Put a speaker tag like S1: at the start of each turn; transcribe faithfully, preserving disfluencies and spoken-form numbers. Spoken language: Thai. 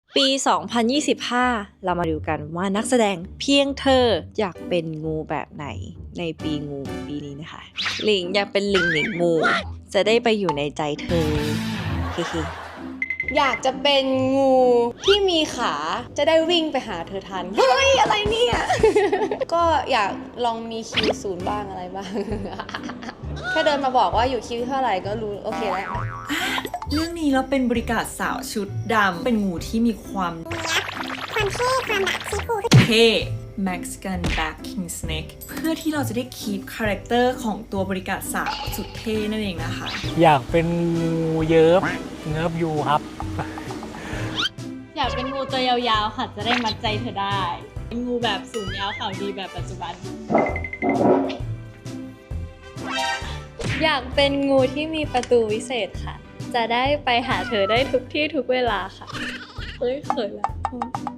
S1: ปี สองพันยี่สิบห้า เรามาดูกันว่านักแสดงเพียงเธออยากเป็นงูแบบไหนในปีงูปีนี้นะคะหลิงอยากเป็นหลิงหลิงงูจะได้ไปอยู่ในใจเธอเฮ้ๆ
S2: อยากจะเป็นงูที่มีขาจะได้วิ่งไปหาเธอทัน เฮ้ย อะไรเนี่ย ก็อยากลองมีคิวศูนย์บ้างอะไรบ้าง แค่เดินมาบอกว่าอยู่คิวเท่าไหร่ก็รู้โอเคแล้ว
S3: เรื่องนี้เราเป็นบริการสาวชุดดำเป็นงูที่มีความ
S4: ความเท่ความแบบซีฟู
S3: เท่ Mexican Black King Snake เพื่อที่เราจะได้คีปคาแรคเตอร์ของตัวบริการสาวสุดเท่นั่นเองนะคะ
S5: อยากเป็นงูเยิบเงิบยูครับ
S6: อยากเป็นงูตัวยาวๆค่ะจะได้มัดใจเธอได้เป็นงูแบบสูงยาวเขาดีแบบปัจจุบัน
S7: อยากเป็นงูที่มีประตูวิเศษค่ะ จะได้ไปหาเธอได้ทุกที่ทุกเวลาค่ะ เฮ้ยเขินแล้ว